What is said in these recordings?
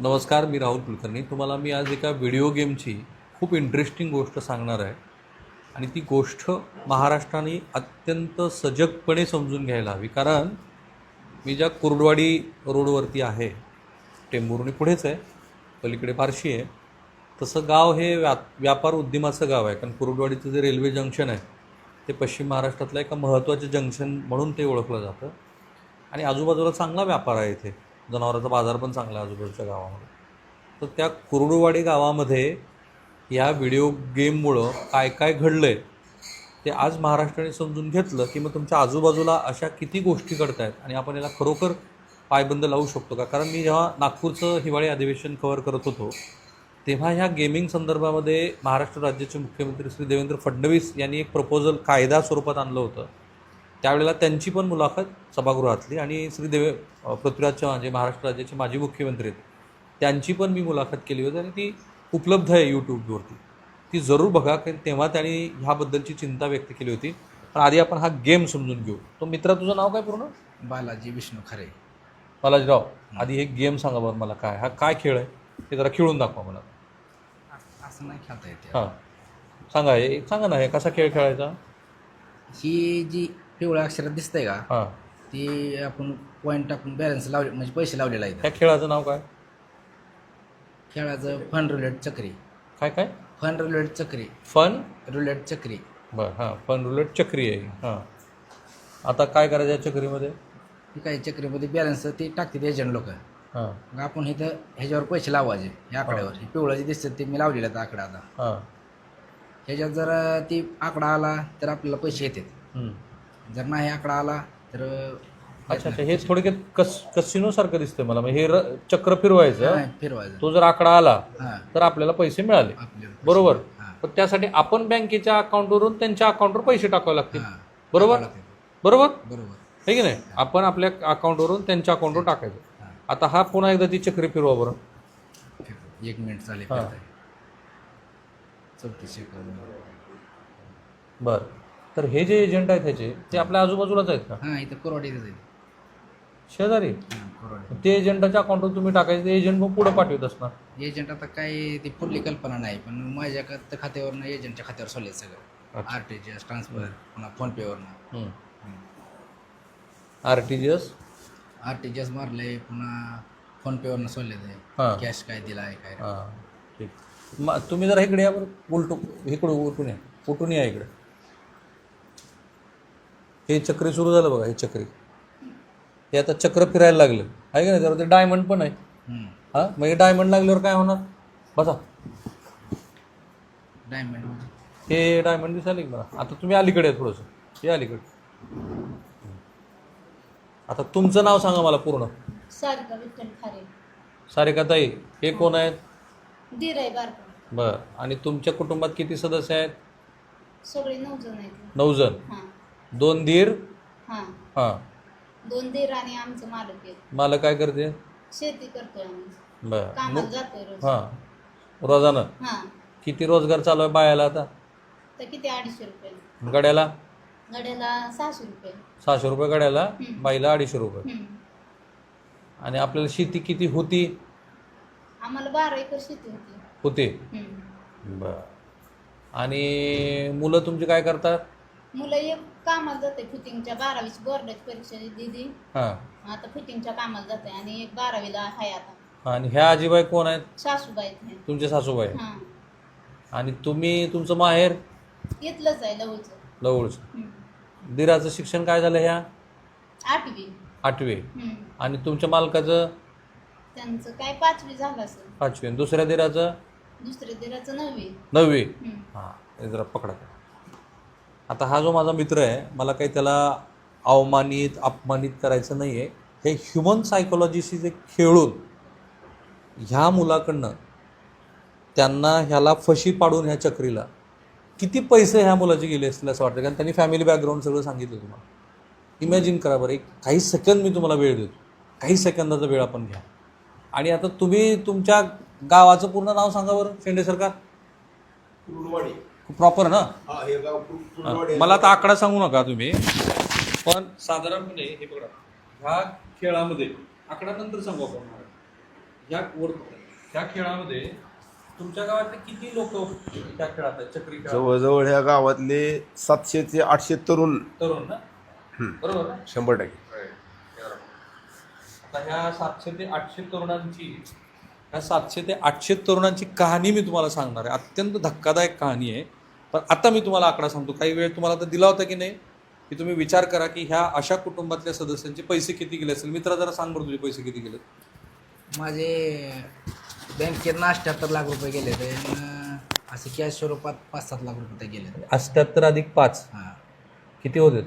नमस्कार, मी राहुल कुलकर्णी. तुम्हाला मी आज एका व्हिडिओ गेमची खूप इंटरेस्टिंग गोष्ट सांगणार आहे आणि ती गोष्ट महाराष्ट्राने अत्यंत सजगपणे समजून घ्यायला हवी. कारण मी ज्या कुर्डवाडी रोडवरती आहे, टेंभुर्णी पुढेच आहे, पलीकडे बार्शी आहे, तसं गाव हे व्यापार उद्यमाचं गाव आहे. कारण कुर्डवाडीचं जे रेल्वे जंक्शन आहे ते पश्चिम महाराष्ट्रातलं एका महत्त्वाचं जंक्शन म्हणून ते ओळखलं जातं आणि आजूबाजूला चांगला व्यापार आहे. इथे जनावरांचा बाजार पण चांगला आहे आजूबाजूच्या गावामध्ये. तर त्या कुर्डुवाडी गावामध्ये या व्हिडिओ गेममुळं काय काय घडलं आहे ते आज महाराष्ट्राने समजून घेतलं की मग तुमच्या आजूबाजूला अशा किती गोष्टी घडत आहेत आणि आपण याला खरोखर पायबंद लावू शकतो का. कारण मी जेव्हा नागपूरचं हिवाळी अधिवेशन कव्हर करत होतो तेव्हा ह्या गेमिंग संदर्भामध्ये महाराष्ट्र राज्याचे मुख्यमंत्री श्री देवेंद्र फडणवीस यांनी एक प्रपोजल कायदा स्वरूपात आणलं होतं. त्यावेळेला त्यांची पण मुलाखत सभागृहातली आणि पृथ्वीराज चव्हाण जे महाराष्ट्र राज्याचे माजी मुख्यमंत्री आहेत त्यांची पण मी मुलाखत केली होती आणि ती उपलब्ध आहे यूट्यूबवरती. ती जरूर बघा, कारण तेव्हा त्यांनी ह्याबद्दलची चिंता व्यक्त केली होती. पण आधी आपण हा गेम समजून घेऊ. तो मित्रा, तुझं नाव काय पूर्ण? बालाजी विष्णू खरे. बालाजीराव, आधी हे गेम सांगा बरं मला, काय हा काय खेळ आहे हे जरा खेळून दाखवा मला. असं नाही खेळता येते. हां सांगा, हे सांगा ना, हे कसा खेळ खेळायचा. ही जी पिवळ्या अक्षरात दिसतंय का, हां, ती आपण पॉईंट टाकून बॅलन्स लावले म्हणजे पैसे लावलेला आहे. ह्या खेळाचं नाव काय? खेळाचं फन रुलेट चक्री. काय काय? फन रुलेट चक्री. फन रुलेट चक्री. बरं, हां, फन रुलेट चक्री आहे. हां, आता काय करायचं या चक्रीमध्ये? ती काही चक्रीमध्ये बॅलन्स ती टाकते एजंट लोक. हां मग आपण इथं ह्याच्यावर पैसे लावायचे या आकड्यावर. हे पिवळं जे दिसतं ते मी लावलेलं आहे आकडा. आता हां, ह्याच्यात जर ती आकडा आला तर आपल्याला पैसे येतात. जर नाही आकडा आला तर अच्छा अच्छा, हे थोडक्यात कसिनोसारखं दिसतंय मला. हे चक्र फिरवायचं, नाही फिरवायचं. तो जर आकडा आला हां तर आपल्याला पैसे मिळाले, आपल्याला बरोबर. हां पण त्यासाठी आपण बँकेच्या अकाउंटवरून त्यांच्या अकाउंटवर पैसे टाकावे लागतील, हां बरोबर बरोबर बरोबर. आहे की नाही. आपण आपल्या अकाउंटवरून त्यांच्या अकाउंटवर टाकायचं. हां आता हा पुन्हा एकदा ती चक्री फिरवा बरं. 1 मिनिट चालेल. हां. 34 सेकंद. बरं, तर हे जे एजंट आहेत ह्याचे ते आपल्या आजूबाजूलाच आहेत का? हां इथं कोरवाडीतच आहे. शेजारी? हां कोरवाडी. ते एजंटाच्या अकाउंटवर तुम्ही टाकायचं, ते एजंट मग पुढं पाठवत असणार. एजंट आता काय ती पुढली कल्पना नाही, पण माझ्या खात्यावरनं एजंटच्या खात्यावर सोडले सगळं. अच्छा. RTGS ट्रान्सफर पुन्हा फोनपेवरनं. RTGS RTGS मारले पुन्हा फोनपेवरनं सोडले ते. हां कॅश काय दिला आहे काय. हां ठीक. मग तुम्ही जरा इकडे या बरं, इकडं उलटून या, उठून या इकडे. हे चक्री सुरू झालं बघा, हे चक्री, हे आता चक्र फिरायला लागलं आहे का नाही. त्यावर ते डायमंड पण आहे. हां, मग हे डायमंड लागल्यावर काय होणार? बसा, डायमंड हे डायमंड दिसायला की मला. आता तुम्ही अलीकडे आहे थोडंसं, हे अलीकडे. आता तुमचं नाव सांगा मला पूर्ण. सारिका विठ्ठल खारे. सारिकाताई, हे कोण आहेत? दीर आहे बारका. बरं, आणि तुमच्या कुटुंबात किती सदस्य आहेत? सगळे 9 जण आहेत. 9 जण. हां 2 दीर. हां हां, 2 दीर आणि आमचं मालक आहे. मला काय करते? शेती करतोय आम्ही. बरं. कामाला जातोय रोज. हां, रोजानं हां किती रोजगार चालू आहे बायाला आता? तर किती 250 रुपये गड्याला? गड्याला 600 रुपये. 600 रुपये गड्याला, हं. बाईला 250 रुपये. हं. आणि आपल्याला शेती किती होती? आम्हाला 12 एकर शेती होते. होती. बरं, आणि मुलं तुमची काय करतात? मुलं एक कामाला जाते फिटिंगच्या, 12वीची बोर्डाची परीक्षा दिली. हां, आता फिटिंगच्या कामाला जाते आणि एक 12वीला आहे आता. आणि ह्या आजीबाई कोण आहेत? सासूबाई आहेत. तुमचे सासूबाई. हां आणि तुम्ही, तुमचं माहेर? इथलंच आहे लवचं. जवळचं. दिराचं शिक्षण काय झालं? ह्या 8वी. 8वी. आणि तुमच्या मालकाचं? त्यांचं काय 5वी झालं असेल. 5वी. आणि दुसऱ्या दिराचं? दुसऱ्या दिराचं 9वी. 9वी. हां, हे जरा पकडा. आता हा जो माझा मित्र आहे, मला काही त्याला अवमानित अपमानित करायचं नाही आहे. हे ह्युमन सायकोलॉजीशी जे खेळून ह्या मुलाकडनं त्यांना ह्याला फशी पाडून ह्या चक्रीला किती पैसे ह्या मुलाचे गेले असतील असं वाटतं. कारण त्यांनी फॅमिली बॅकग्राऊंड सगळं सांगितलं तुम्हाला. इमॅजिन करा बरं, एक काही सेकंद मी तुम्हाला वेळ देतो, काही सेकंदाचा वेळ आपण घ्या. आणि आता तुम्ही तुमच्या गावाचं पूर्ण नाव सांगा बरं, शेंडे सरकार. कुर्डुवाडी. प्रॉपर ना? हा, हे गाव कुर्डुवाडी. मला आता आकडा सांगू नका तुम्ही, पण साधारणपणे हे बघा, ह्या खेळामध्ये आकडा नंतर सांगू आपण. ह्या वर त्या खेळामध्ये तुमच्या गावातले किती लोक त्या खेळात आहेत, चक्री खेळात? जवळजवळ ह्या गावातले 700 ते 800 तरुण. तरुण ना? बरोबर ना? 100%. आता ह्या 700 ते 800 तरुणांची कहाणी मी तुम्हाला सांगणार आहे. अत्यंत धक्कादायक कहाणी आहे. पण आता मी तुम्हाला आकडा सांगतो. काही वेळ तुम्हाला तर दिला होता की नाही, की तुम्ही विचार करा की ह्या अशा कुटुंबातल्या सदस्यांचे पैसे किती गेले असेल. मित्रा जरा सांग बरं, तुझे पैसे किती गेले? माझे बँकेत 78 लाख रुपये गेले ते, असे कॅश स्वरूपात 5-7 लाख रुपये गेले. 78 अधिक 5 हां, किती होते?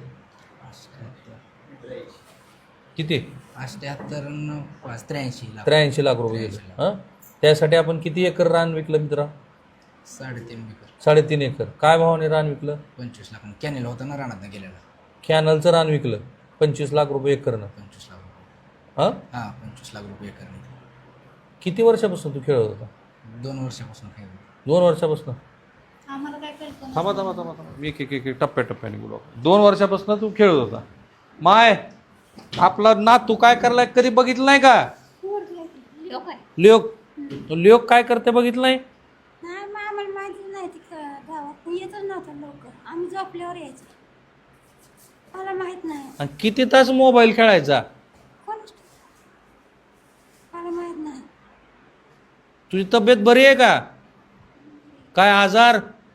78 किती? 78 न 5 83 लाख. 83 लाख रुपये गेले. हां, त्यासाठी आपण किती एकर रान विकलं मित्रा? 3.5 एकर. 3.5 एकर. काय भावाने रान विकलं? 25 लाख. कॅनेल होता ना रानात गेलेला. कॅनलचं रान विकलं 25 लाख रुपये एकरनं. 25 लाख रुपये. हां, 25 लाख रुपये एकर. किती वर्षापासून तू खेळत होता? 2 वर्षापासून खेळ. 2 वर्षापासून? आम्हाला काय कल्पना थांबा थांबा थांबा थांबा, मी एक टप्प्याटप्प्याने बोलू. 2 वर्षापासून तू खेळत होता. माय आपला ना तू काय करलाय कधी बघितलं नाही का? लोक आहे. लोक काय करते बघितलं नाही? नाही मग आम्हाला माहिती नाही ती गावात येतच नव्हतं लवकर. आम्ही झोपल्यावर यायचं. मला माहित नाही. आणि किती तास मोबाईल खेळायचा? कोण मला माहित नाही. तुझी तब्येत बरी आहे का? काय आजार?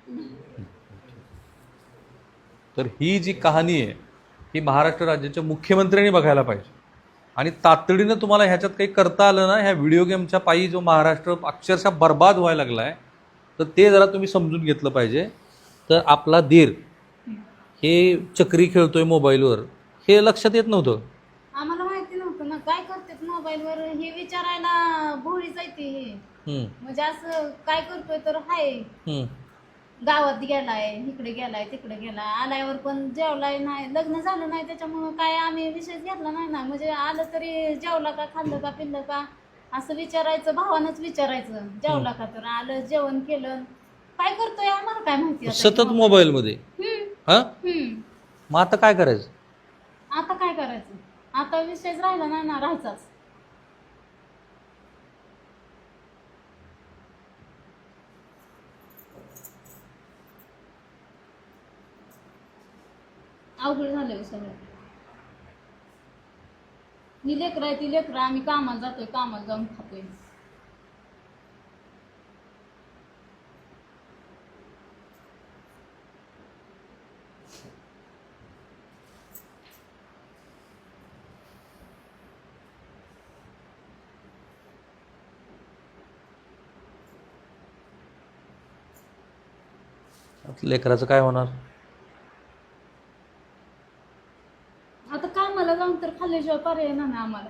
तर ही जी कहाणी आहे ही महाराष्ट्र राज्याच्या मुख्यमंत्र्यांनी बघायला पाहिजे. आणि तातडीनं तुम्हाला ह्याच्यात काही करता आलं ना, ह्या व्हिडिओ गेमच्या पायी जो महाराष्ट्र अक्षरशः बर्बाद व्हायला लागला आहे, तर ते जरा तुम्ही समजून घेतलं पाहिजे. तर आपला दीर हे चक्री खेळतोय मोबाईलवर हे लक्षात येत नव्हतं. आम्हाला माहिती नव्हतं ना काय करतात मोबाईलवर, हे विचारायला भोळी जायते हे. म्हणजे असं काय करतोय तर हाय गावात गेलाय, इकडे गेलाय, तिकडे गेलाय, आल्यावर पण जेवलाय नाही, लग्न झालं नाही, त्याच्यामुळं काय आम्ही विषयच घेतला नाही ना. म्हणजे आलं तरी जेवला का, खाल्लं का, पिल्लं का असं विचारायचं, भावानंच विचारायचं. जेवला का, तर आलं, जेवण केलं, काय करतोय आम्हाला काय माहिती. सतत मोबाईलमध्ये. हा, मग आता काय करायचं? आता काय करायचं? आता विषयच राहिला नाही ना, राहायचाच. अवघड झालं सगळं. ही लेकरं आहे, ती लेकरं, आम्ही कामाला जातोय, कामाला जाऊन खातोय. लेकराचं काय होणार? आता कामाला जाऊन तर खाल्ल्याशिवाय पर्याय नाही ना आम्हाला.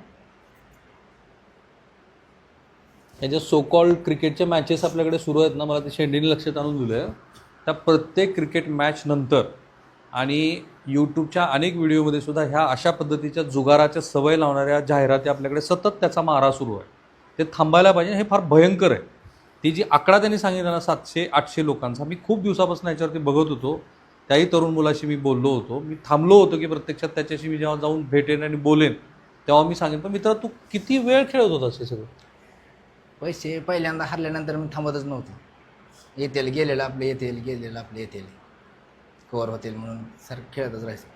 याच्या सो कॉल्ड क्रिकेटच्या मॅचेस आपल्याकडे सुरू आहेत ना, मला ते शेंडीने लक्षात आणून दिलं आहे. त्या प्रत्येक क्रिकेट मॅच नंतर आणि यूट्यूबच्या अनेक व्हिडिओमध्ये सुद्धा ह्या अशा पद्धतीच्या जुगाराच्या सवय लावणाऱ्या जाहिराती आपल्याकडे सतत त्याचा मारा सुरू आहे. ते थांबायला पाहिजे. हे फार भयंकर आहे. ती जी आकडा त्यांनी सांगितला ना 700-800 लोकांचा, मी खूप दिवसापासून याच्यावरती बघत होतो. त्याही तरुण मुलाशी मी बोललो होतो. मी थांबलो होतो की प्रत्यक्षात त्याच्याशी मी जेव्हा जाऊन भेटेन आणि बोलेन तेव्हा मी सांगेन. पण मित्र, तू किती वेळ खेळत होतास हे सगळं? पैसे पहिल्यांदा हरल्यानंतर मी थांबतच नव्हतो. येतील गेलेलं आपलं, येतील गेलेलं आपलं, येतील कवर होतील म्हणून सर खेळतच राहायचं.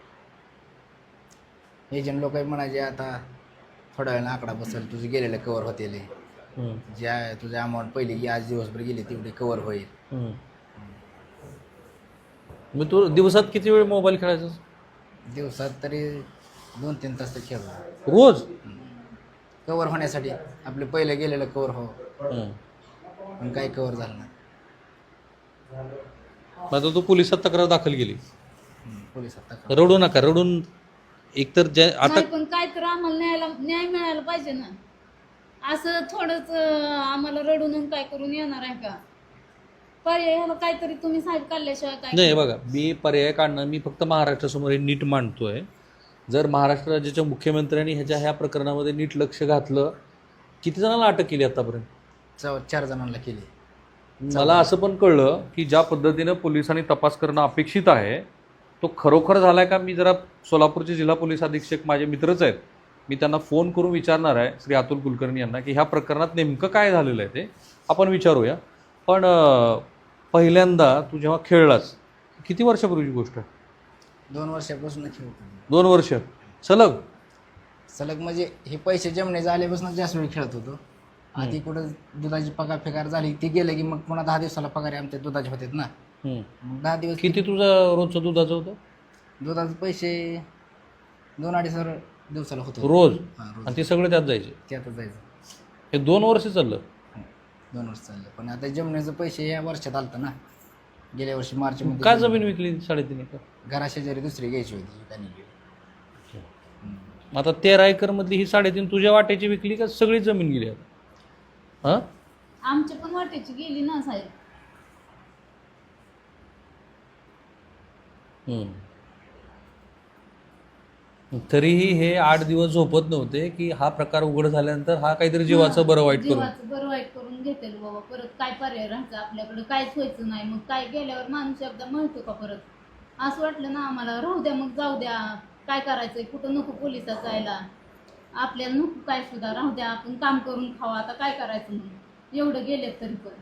एजंट लोक म्हणायचे आता थोड्या वेळानं आकडा बसेल, तुझे गेलेलं कवर होतील, ज्या तुझ्या अमाऊंट पहिली की आज दिवसभर गेली तेवढी कवर होईल. मग तू दिवसात किती वेळ मोबाईल खेळायचा? दिवसात तरी 2-3 तास तर खेळतो रोज. कवर होण्यासाठी. आपले पहिले गेलेलं कवर हो, पण काही कवर झालं नाही. आता तू पोलिसात तक्रार दाखल केली. पोलिसात रडू नका, रडून एकतर आता नाही, पण काय तर आम्हाला न्याय मिळायला पाहिजे ना. असं थोडंच आम्हाला रडून काय करून येणार आहे का? पर्याय ह्याला काहीतरी तुम्ही साहेब काढल्याशिवाय काय नाही. बघा, मी पर्याय काढणं, मी फक्त महाराष्ट्रासमोर हे नीट मांडतोय. जर महाराष्ट्र राज्याच्या मुख्यमंत्र्यांनी ह्या प्रकरणामध्ये नीट लक्ष घातलं. किती जणांना अटक केली आतापर्यंत? 4 जणांना केली. मला असं पण कळलं की ज्या पद्धतीनं पोलिसांनी तपास करणं अपेक्षित आहे तो खरोखर झालाय का? मी जरा सोलापूरचे जिल्हा पोलीस अधीक्षक माझे मित्रच आहेत, मी त्यांना फोन करून विचारणार आहे श्री अतुल कुलकर्णी यांना की ह्या प्रकरणात नेमकं काय झालेलं आहे ते आपण विचारूया. पण पहिल्यांदा तू जेव्हा खेळलास किती वर्षापूर्वीची गोष्ट आहे? 2 वर्षापासून खेळतो. 2 वर्ष सलग? सलग म्हणजे हे पैसे जमणे झाल्यापासून जास्त वेळ खेळत होतो. आधी कुठं दुधाची पगार फेकार झाली ती गेलं की मग पुन्हा 10 दिवसाला पगार आमच्या दुधाचे होते ना. मग 10 दिवस किती तुझं रोजचं दुधाचं होतं? दुधाचे पैसे 2-2.5 दिवसाला होतो रोज? हां, रोज. आणि ते सगळे त्यात जायचे? त्यातच जायचं. हे 2 वर्ष चाललं? 2 वर्ष चाललं. पण आता जमण्याचं पैसे या वर्षात आलतं ना. गेल्या वर्षी मार्चमध्ये. काय जमीन विकली 3.5 एकर? घराशेजारी दुसरी घ्यायची होती त्यांनी गेली. आता 13 एकर मधली ही 3.5 तुझ्या वाट्याची विकली का सगळी जमीन गेली आता? हां, आमच्या पण वाटेची गेली ना साहेब. तरीही हे 8 दिवस झोपत नव्हते की हा प्रकार उघड झाल्यानंतर हा काहीतरी जीवाचं बरं वाईट करून. जीवाचं बरं वाईट करून घेतेल बाबा. परत काय पर्याय राहायचं आपल्याकडे? काहीच व्हायचं नाही. मग काय गेल्यावर माणूस एकदा म्हणतो का परत? असं वाटलं ना आम्हाला, राहू द्या मग, जाऊ द्या, काय करायचंय, कुठं नको पोलिसात जायला, आपल्याला नको काय सुद्धा, राहू द्या, आपण काम करून खावा, आता काय करायचं म्हणून एवढं गेलेत तरी पण.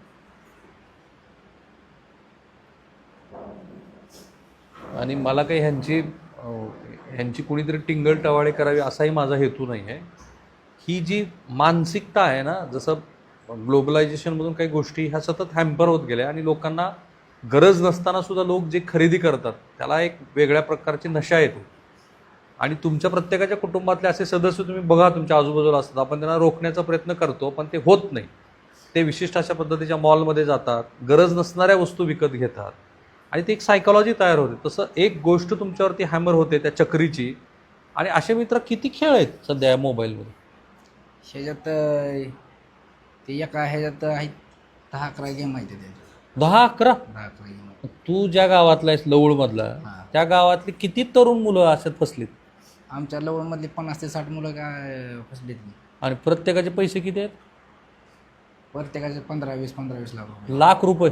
आणि मला काही ह्यांची कुणीतरी टिंगल टवाळे करावी असाही माझा हेतू नाही आहे. ही जी मानसिकता आहे ना, जसं ग्लोबलायझेशनमधून काही गोष्टी ह्या सतत हॅम्पर होत गेल्या आणि लोकांना गरज नसताना सुद्धा लोक जे खरेदी करतात त्याला एक वेगळ्या प्रकारची नशा येते. आणि तुमच्या प्रत्येकाच्या कुटुंबातले असे सदस्य तुम्ही बघा तुमच्या आजूबाजूला असतात, आपण त्यांना रोखण्याचा प्रयत्न करतो पण ते होत नाही. ते विशिष्ट अशा पद्धतीच्या मॉलमध्ये जातात, गरज नसणाऱ्या वस्तू विकत घेतात आणि ती एक सायकॉलॉजी तयार होते. तसं एक गोष्ट तुमच्यावरती हॅमर होते त्या चक्रीची. आणि असे मित्र किती खेळ आहेत सध्या या मोबाईलमध्ये? ह्याच्यात ते एका ह्याच्यात आहेत 10-11 गेम आहेत त्याच्यात. 10-11? 10-11 गेम. तू ज्या गावातला आहेस लवळमधला, हां. त्या गावातली किती तरुण मुलं अशात फसलीत? आमच्या लवळमधली 50 ते 60 मुलं काय फसलीत नाही. आणि प्रत्येकाचे पैसे किती आहेत? प्रत्येकाचे 15-20 लाख रुपये. लाख रुपये.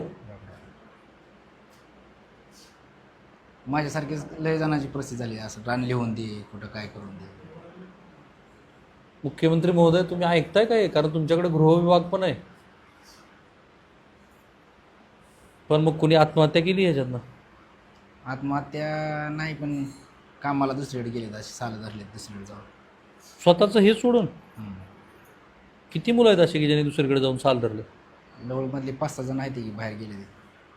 माझ्यासारखीच लय जणांची परिस्थिती झाली. असं रान लिहून दे, कुठं काय करून दे. मुख्यमंत्री महोदय तुम्ही ऐकताय काय? कारण तुमच्याकडे गृहविभाग पण आहे. पण मग कुणी आत्महत्या केली ह्याच्यातनं? आत्महत्या नाही, पण कामाला दुसरीकडे गेले, असे साल धरले दुसरीकडे जाऊन. स्वतःचं हे सोडून? किती मुलं आहेत अशी की ज्यांनी दुसरीकडे जाऊन साल धरले? लवळमधले 5-6 जण आहेत की बाहेर गेले ते.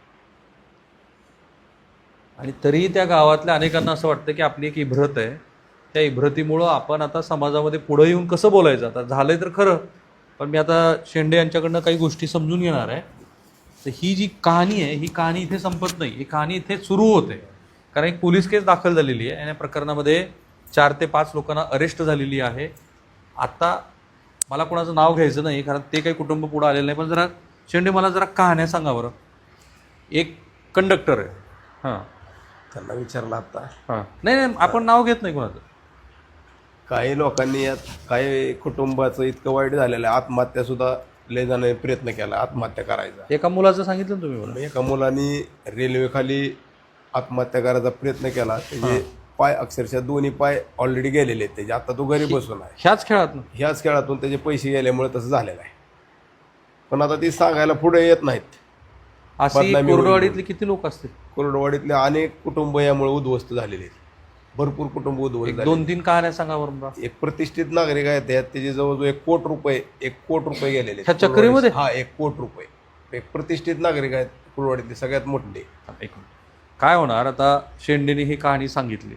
आणि तरीही त्या गावातल्या अनेकांना असं वाटतं की आपली एक इब्रत आहे, त्या इब्रतीमुळं आपण आता समाजामध्ये पुढं येऊन कसं बोलायचं. आता झालंय तर खरं, पण मी आता शेंडे यांच्याकडनं काही गोष्टी समजून घेणार आहे. तर ही जी कहाणी आहे ही कहाणी इथे संपत नाही, ही कहाणी इथे सुरू होते. कारण एक पोलीस केस दाखल झालेली आहे आणि या प्रकरणामध्ये 4 ते 5 लोकांना अरेस्ट झालेली आहे. आता मला कोणाचं नाव घ्यायचं नाही कारण ते काही कुटुंब पुढं आलेलं नाही, पण जरा शेंडे मला जरा कहाण्या सांगा बरं. एक कंडक्टर आहे, हां, त्यांना विचारलं आता. हां, नाही आपण नाव घेत नाही कोणाचं. काही लोकांनी यात काही कुटुंबाचं इतकं वाईट झालेलं आहे, आत्महत्या सुद्धा लय जणांनी प्रयत्न केला आत्महत्या करायचा. एका मुलाचं सांगितलं ना तुम्ही मला. एका मुलांनी रेल्वेखाली आत्महत्या करायचा प्रयत्न केला. त्याचे पाय अक्षरशः दोन्ही पाय ऑलरेडी गेलेले आहेत त्याचे. आता तो घरी बसून आहे. ह्याच खेळात ना? ह्याच खेळातून त्याचे पैसे गेल्यामुळे तसं झालेलं आहे. पण आता ती सांगायला पुढे येत नाहीत. अशी बदनामी होईल. कोरडवाडीतले किती लोक असतील? कोरडवाडीतले अनेक कुटुंब यामुळे उद्ध्वस्त झालेले आहेत. भरपूर कुटुंब उद्ध्वस्त झाले. 2-3 कहाण्या सांगा बरं मला. एक प्रतिष्ठित नागरिक आहेत त्यात त्याचे जवळजवळ 1 कोटी रुपये गेलेले आहेत. ह्या चक्रीमध्ये? हा, 1 कोटी रुपये. एक प्रतिष्ठित नागरिक आहेत कुरवाडीतले, सगळ्यात मोठे. काय होणार आता? शेंडेने ही कहाणी सांगितली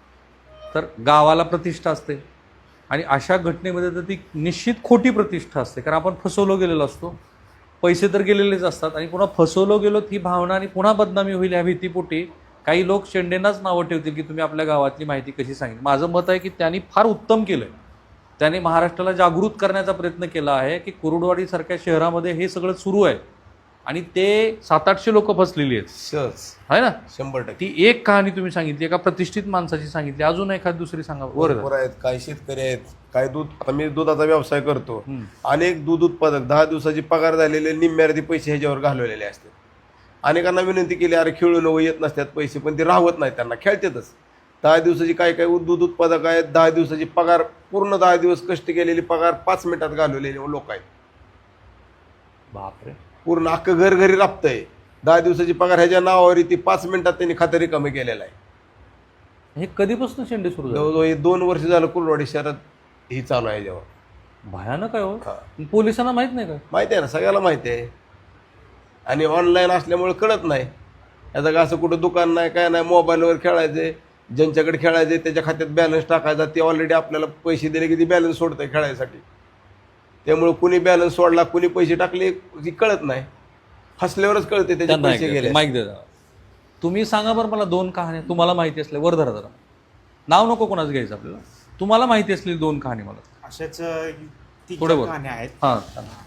तर गावाला प्रतिष्ठा असते आणि अशा घटनेमध्ये तर ती निश्चित खोटी प्रतिष्ठा असते. कारण आपण फसवलो गेलेलो असतो, पैसे तर गेलेलेच असतात आणि पुन्हा फसवलो गेलो ही भावना आणि पुन्हा बदनामी होईल ह्या भीतीपोटी काही लोक शेंडेंनाच नावं ठेवतील की तुम्ही आपल्या गावातली माहिती कशी सांगितली. माझं मत आहे की त्यांनी फार उत्तम केलं आहे. त्यांनी महाराष्ट्राला जागृत करण्याचा प्रयत्न केला आहे की कुरुडवाडीसारख्या शहरामध्ये हे सगळं सुरू आहे आणि ते 700-800 लोक फसलेली आहेत. सहज आहे ना? 100%. ती एक कहाणी तुम्ही सांगितली, एका प्रतिष्ठित माणसाची सांगितली, अजून एखादी दुसरी सांगा. भरपूर आहेत. काही शेतकरी आहेत, काही दूध. आता मी दुधाचा व्यवसाय करतो. अनेक दूध उत्पादक 10 दिवसाची पगार झालेले निम्म्यार्धी पैसे ह्याच्यावर घालवलेले असतात. अनेकांना विनंती केली, अरे खेळून येत नसतात पैसे, पण ते राहत नाहीत, त्यांना खेळतातच. 10 दिवसाची काय काय दूध उत्पादक आहेत, 10 दिवसाची पगार, पूर्ण 10 दिवस कष्ट केलेली पगार 5 मिनिटात घालवलेले लोक आहेत. बापरे. पूर्ण अख्खं घर घरी राबतंय. 10 दिवसाची पगार ह्याच्या नावावर ती 5 मिनिटात त्यांनी खातं रिकामी केलेलं आहे. हे कधीपासून शेंडे सुरू झाले? जवळजवळ हे 2 वर्ष झालं कुर्डवाडी शहरात ही चालू आहे याच्यावर. भयानक आहे हो. हा. पोलिसांना माहित नाही का? माहिती आहे ना, सगळ्याला माहिती आहे. आणि ऑनलाईन असल्यामुळे कळत नाही. याचं का असं कुठं दुकान नाही, काय नाही, मोबाईलवर खेळायचे, ज्यांच्याकडे खेळायचे त्याच्या खात्यात बॅलन्स टाकायचा, ते ऑलरेडी आपल्याला पैसे दिले की ती बॅलन्स सोडतंय खेळायसाठी. त्यामुळे कुणी बॅलन्स सोडला, कुणी पैसे टाकले की कळत नाही. फसल्यावरच कळते त्याचे त्यांना पैसे गेले. माहिती द्या. तुम्ही सांगा बरं मला 2 कहाण्या तुम्हाला माहिती असल्या, वर धरा जरा, नाव नको कोणाचं घ्यायचं आपल्याला, तुम्हाला माहिती असलेली 2 कहाणी मला. अशाच थोडं 3-4 बोल. कहाण्या आहेत. हां.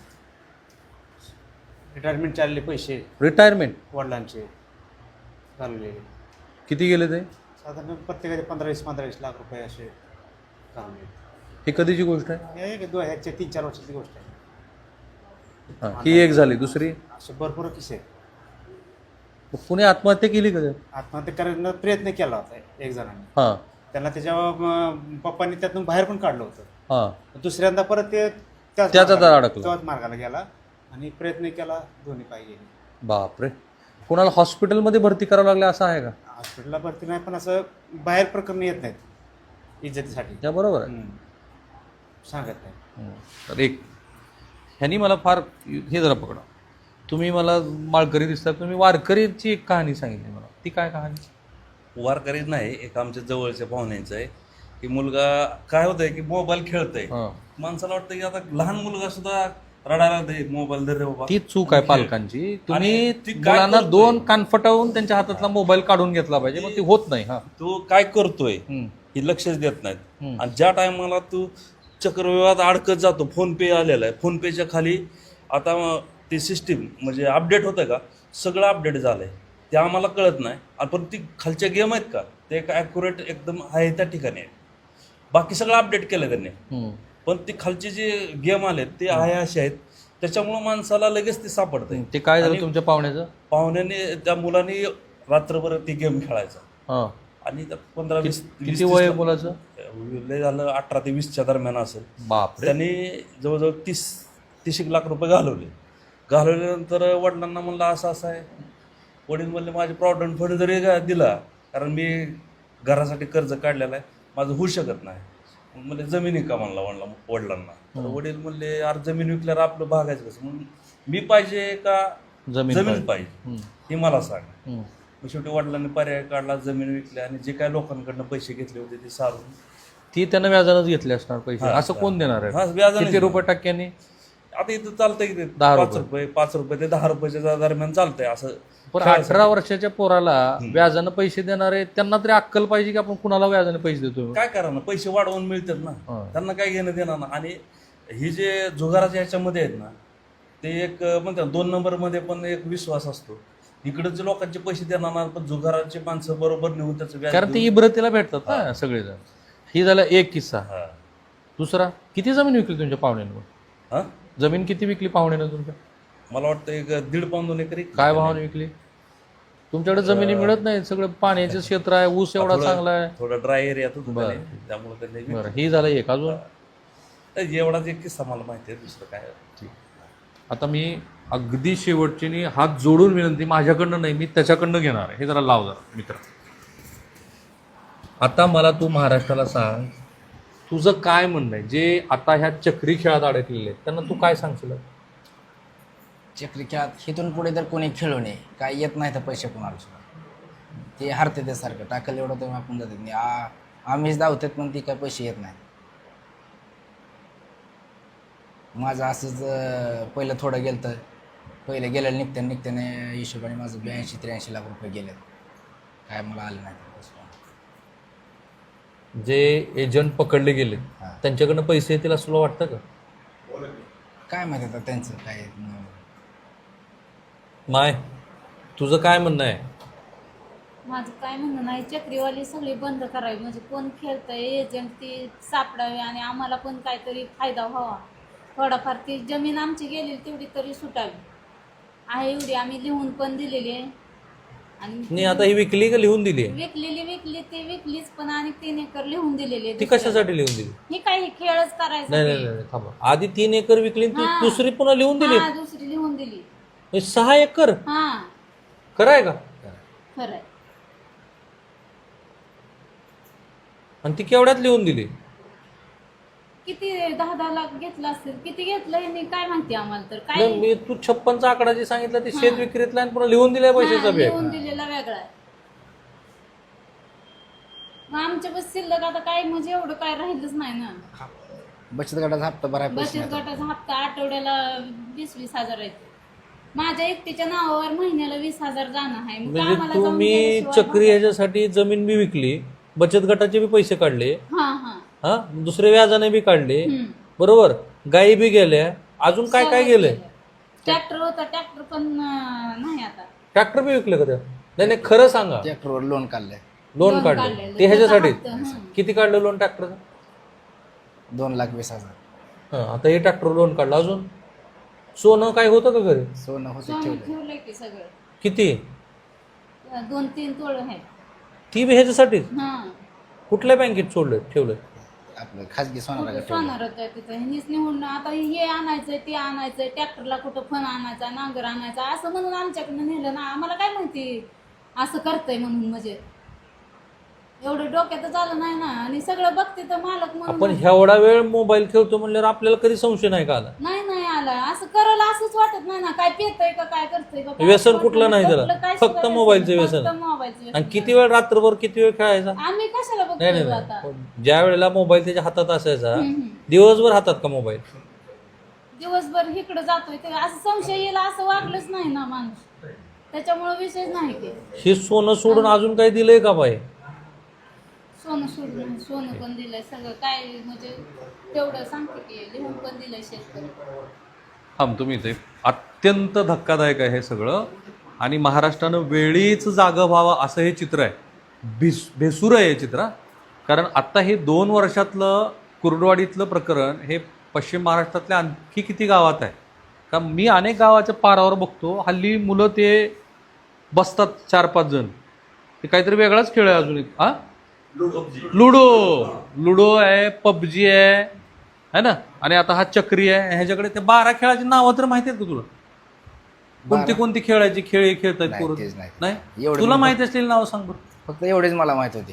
रिटायरमेंट चालले पैसे रिटायरमेंट वडिलांचे घालवलेले, किती गेले ते? साधारण प्रत्येकाचे 15-20 लाख रुपये असे घालवले. ही कधीची गोष्ट आहे? हे 3-4 वर्षाची गोष्ट आहे. हां, ही एक झाली. दुसरी, असे भरपूर किस्से आहेत. मग कुणी आत्महत्या केली का? आत्महत्या करण्याचा प्रयत्न केला होता एक जणांनी. हां त्यांना त्याच्या पप्पांनी त्यातून बाहेर पण काढलं होतं. हां. दुसऱ्यांदा परत ते त्याच अडकलं. त्याच मार्गाला गेला आणि प्रयत्न केला, दोन्ही पाय गेले. बापरे. कोणाला हॉस्पिटलमध्ये भरती करावं लागलं असं आहे का? हॉस्पिटलला भरती नाही, पण असं बाहेर प्रकरण येत नाहीत इज्जतीसाठी. त्या बरोबर आहे. सांगत नाही. तर एक ह्यांनी मला फार हे जरा पकडा, तुम्ही मला माळकरी दिसतात, तुम्ही वारकरीची एक कहाणी सांगितली मला, ती काय कहाणी? वारकरीच नाही, एक आमच्या जवळच्या पाहुण्यांचं आहे की मुलगा काय होतंय की मोबाईल खेळतोय. हां. माणसाला वाटतं की आता लहान मुलगा सुद्धा रडायला दे, मोबाईल धर रे बाबा. ती चूक आहे पालकांची. तुम्ही आणि ती काय मुलांना करतोय? 2 कान फटवून त्यांच्या हातातला मोबाईल काढून घेतला पाहिजे, मग ती होत नाही. हा. तो काय करतोय हम्म. हे लक्षच देत नाहीत. हम्म. आणि ज्या टायमाला तू चक्रव्यूहात अडकत जातो, फोन पे आलेला आहे, फोन पेच्या खाली आता ती सिस्टीम म्हणजे अपडेट होतं का, सगळं अपडेट झालंय, ते आम्हाला कळत नाही. आणि पण ती खालच्या गेम आहेत का, ते एक ॲक्युरेट एकदम आहे त्या ठिकाणी आहे. बाकी सगळं अपडेट केलं त्यांनी, हम्म. पण ती खालचे जे गेम आले ते आहे असे आहेत, त्याच्यामुळं माणसाला लगेच ते सापडतंय. ते काय झालं आणि तुमच्या पाहुण्याचं? पाहुण्याने त्या मुलाने रात्रभर ती गेम खेळायचा हां. आणि 15-20 किती वय आहे मुलाचं? लय झालं 18 ते 20च्या दरम्यान असेल. बापरे. त्यांनी जवळजवळ 30 लाख रुपये घालवल्यानंतर वडिलांना म्हणलं असं असं आहे. वडील म्हणले माझे प्रॉव्हिडंट फंड जरी दिला, कारण मी घरासाठी कर्ज काढलेलं आहे, माझं होऊ शकत नाही. मग म्हणले जमिनी का म्हणला वडिलांना. तर वडील म्हणले अरे जमीन विकल्यावर आपलं भागायचं कसं, म्हणून मी पाहिजे का जमीन पाहिजे हे मला सांग. मग शेवटी वडिलांनी पर्याय काढला, जमीन विकल्या आणि जे काय लोकांकडनं पैसे घेतले होते ते सारून ती त्यानं व्याजानंच घेतले असणार पैसे. असं कोण देणार हा, आहे? व्याजाने किती रुपये टक्क्यांनी? आता इथं चालतंय की 10 5 रुपये ते 10 रुपयाच्या दरम्यान चालतंय असं. पण 18 वर्षाच्या पोराला व्याजानं पैसे देणारे त्यांना तरी अक्कल पाहिजे की आपण कुणाला व्याजाने पैसे देतो. काय करा ना, पैसे वाढवून मिळतात ना, त्यांना काय घेणं देणार ना. आणि ही जे जुगाराच्या ह्याच्यामध्ये आहेत ना, ते एक म्हणतात 2 नंबरमध्ये पण एक विश्वास असतो. इकडचे लोकांचे पैसे देणार ना, पण जुगाराचे माणसं बरोबर नेऊन त्याचं व्याज कारण ते इब्रतीला भेटतात ना सगळेजण. ही झाला एक किस्सा. हा. दुसरा, किती जमीन विकली तुमच्या पाहुण्यानं? हा? जमीन किती विकली पाहुण्यानं तुमच्या? मला वाटतं एक 1.5 पाऊण 2 एकर. काय भावाने विकली? तुमच्याकडे जमिनी मिळत नाही, सगळं पाण्याचं क्षेत्र आहे, ऊस एवढा चांगला आहे. थोडा ड्राय एरियात होतो त्यामुळे त्यांनी बरं, ही झालं एक. अजून एवढाच एक किस्सा मला माहिती आहे, दुसरं काय. आता मी अगदी शेवटची हात जोडून विनंती, माझ्याकडनं नाही, मी त्याच्याकडनं घेणार आहे. हे जरा लाव जरा मित्र. आता मला तू महाराष्ट्राला सांग, तुझं काय म्हणणं आहे जे आता ह्या चक्री खेळात अडकलेले आहेत त्यांना तू काय सांगशील? चक्री खेळात हिथून पुढे तर कोणी खेळू नये, काय येत नाही तर पैसे कोणाला सुद्धा, ते हरते ते सारखं टाकलं एवढं तर आपण जातात नाही. आम्हीच धावतात पण ती काय पैसे येत नाही. माझं असंच पहिलं थोडं गेलं तर पहिलं गेलं निघत्याने हिशोबाने माझं 82-83 लाख रुपये गेले, काय मला आलं नाही. जे एजंट पकडले गेले त्यांच्याकडनं पैसे येतील असं तुला वाटतं का? काय माहिती आता त्यांचं काय. माय, तुझं काय म्हणणं आहे? माझं काय म्हणणं नाही, चक्रीवाली सगळी बंद करावी, म्हणजे कोण खेळतंय एजंट ती सापडावे आणि आम्हाला पण काहीतरी फायदा व्हावा. थोडाफार ती जमीन आमची गेलेली तेवढी तरी सुटावी आहे, एवढी आम्ही लिहून पण दिलेली आहे. आणि नाही आता ही विकली का लिहून दिली आहे? विकली ती विकलीच, पण आणि 3 एकर लिहून दिलेली ती कशासाठी लिहून दिली? ही काही खेळच करायचा नाही नाही नाही थांबा, आधी 3 एकर विकली आणि ती हा. दुसरी पुन्हा लिहून दिली? हा, दुसरी लिहून दिली. म्हणजे 6 एकर हा खरं आहे का? खरंय. आणि ती केवढ्यात लिहून दिली? किती 10-10 लाख घेतलं असेल, किती घेतलं हे काय माहिती आम्हाला तर काय. नाही, मी तू 56चा आकडा जे सांगितला ते शेत विक्रीतला आणि पुन्हा लिहून दिलाय पैशाचा हा, बॅग. लिहून दिलेला वेगळा आहे. मग आमच्या बस शिल्लक आता काय म्हणजे एवढं काय राहिलंच नाही ना. बचत गटाचा हप्ता भरायला पैसे बचत नाही. गटाचा हप्ता आठवड्याला 20-20 हजार आहे. माझ्या एकटीच्या नावावर महिन्याला 20,000 जाणं आहे. मग म्हणजे आम्हाला जाऊन तुम्ही गेल्याशिवाय चक्री ह्याच्यासाठी जमीन बी विकली, बचत गटाचे बी पैसे काढले, हा हा हा दुसरे व्याजाने बी काढले, हम्म. बरोबर, गायी बी गेल्या, अजून काय काय गेलंय? ट्रॅक्टर होता, ट्रॅक्टर पण नाही आता. ट्रॅक्टर बी विकले का त्या? नाही नाही खरं सांगा. ट्रॅक्टरवर लोन काढलंय लोन लोन काढले काढलेलं. ते ह्याच्यासाठी? त्याचा हप्ता, हं. किती काढलं लोन ट्रॅक्टरचं? 2,20,000. हा आता हे ट्रॅक्टर लोन काढलं. अजून सोनं काय होतं का घरी? सोनं होतं सोनं ठेवलं. ठेवलंय की सगळं. किती? 2-3 तोळ आहेत. ती बी ह्याच्यासाठीच? हा कुठल्या बँकेत सोडलं ठेवलं? आपलं खाजगी सोनाला ठेवलं. सोनार होतं तिथं. ह्यांनीच निवडणं आता हे आणायचंय ते आणायचंय, ट्रॅक्टरला कुठं फण आणायचा, नांगर आणायचा असं म्हणून आमच्याकडनं नेलं ना. आम्हाला काय माहिती असं करतंय म्हणून. म्हणजे एवढं डोक्यातच आलं नाही ना. आणि सगळं बघते तर मालक आपण म्हणून एवढा वेळ मोबाईल खेळतो म्हणल्यावर आपल्याला कधी संशय नाही का आला? नाही आला. असं करायला असंच वाटत नाही ना. काय पेतय का काय करतंय का काय व्यसन वाटत कुठलं नाही त्याला? कुठलं काय फक्त सुद्धा मोबाईलचं फक्त व्यसन. मोबाईलचं व्यसन. आणि किती वेळ रात्रभर किती वेळ खेळायचा? आम्ही कशाला नाही नाही बघतो आता. नाही, ज्या वेळेला मोबाईल त्याच्या हातात असायचा हम्म. दिवसभर हातात का मोबाईल? दिवसभर इकडे जातोय ते असं संशय येईल असं वागलंच नाही ना माणूस. त्याच्यामुळे विषय नाही की हे सोनं सोडून अजून काही दिलंय का बाई? सोनं सोडून सोनं पण दिलंय सगळं काय म्हणजे तेवढं सांगते की लिहून पण दिलंय शेतकरी. तुम्ही इथे अत्यंत धक्कादायक आहे हे सगळं. आणि महाराष्ट्रानं वेळीच जागं व्हावं असं हे चित्र आहे. भेसूर आहे हे चित्र. कारण आत्ता हे 2 वर्षातलं कुर्डवाडीतलं प्रकरण हे पश्चिम महाराष्ट्रातल्या आणखी किती गावात आहे का? मी अनेक गावाच्या पारावर बघतो हल्ली मुलं ते बसतात 4-5 जण. ते काहीतरी वेगळाच खेळ आहे अजून एक. हा लुडो आहे, पबजी आहे ना. आणि आता हा चक्री आहे. ह्याच्याकडे ते 12 खेळाची नावं तर माहिती आहेत का तुला? कोणती कोणती खेळायची खेळ खेळतात नाही, पोरं? तेच नाही. नाही एवढं तुला मी माहिती असलेली नावं सांग बरं. फक्त एवढेच मला माहित होती.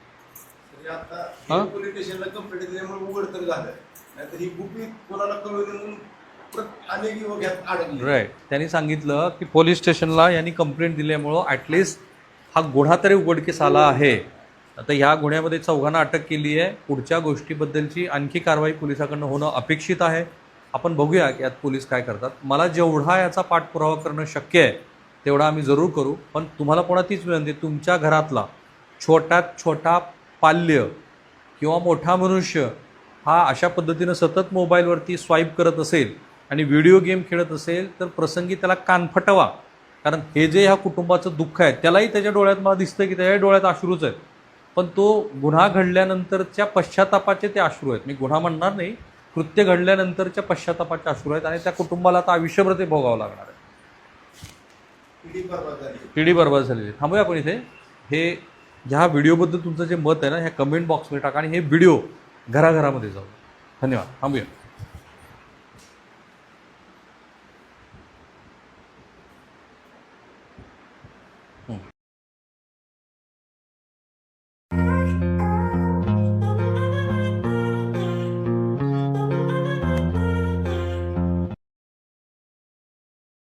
हा? पोलीस स्टेशनला कंप्लेंट दिल्यामुळे उघड तर झालं, नाहीतर ही गुपित कोणाला कळवली म्हणून अनेक युवक यात अडकले. राईट. त्यांनी सांगितलं की पोलीस स्टेशनला यांनी कंप्लेंट दिल्यामुळं ॲटलिस्ट हा गुन्हा तरी उघडकीस आला आहे. आता ह्या गुन्ह्यामध्ये 4घांना अटक केली आहे. पुढच्या गोष्टीबद्दलची आणखी कारवाई पोलिसाकडनं होणं अपेक्षित आहे. आपण बघूया की यात पोलीस काय करतात. मला जेवढा याचा पाठपुरावा करणं शक्य आहे तेवढा आम्ही जरूर करू. पण तुम्हाला पुन्हा तीच विनंती, तुमच्या घरातला छोट्यात छोटा पाल्य किंवा मोठा मनुष्य हा अशा पद्धतीनं सतत मोबाईलवरती स्वाईप करत असेल आणि व्हिडिओ गेम खेळत असेल तर प्रसंगी त्याला कान फटवा. कारण हे जे ह्या कुटुंबाचं दुःख आहे त्यालाही त्याच्या डोळ्यात मला दिसतं की त्याच्या डोळ्यात अश्रूच आहेत. पण तो गुन्हा घडल्यानंतरच्या पश्चातापाचे ते अश्रू आहेत. मी गुन्हा म्हणणार नाही, कृत्य घडल्यानंतरच्या पश्चातापाचे अश्रू आहेत. आणि त्या कुटुंबाला आता आयुष्यभर ते भोगावं लागणार आहे. पिढी बर्बाद झालेली. थांबूया आपण इथे. हे ह्या व्हिडिओबद्दल तुमचं जे मत आहे ना ह्या कमेंट बॉक्समध्ये टाका आणि हे व्हिडिओ घराघरामध्ये जाऊ. धन्यवाद. थांबूया.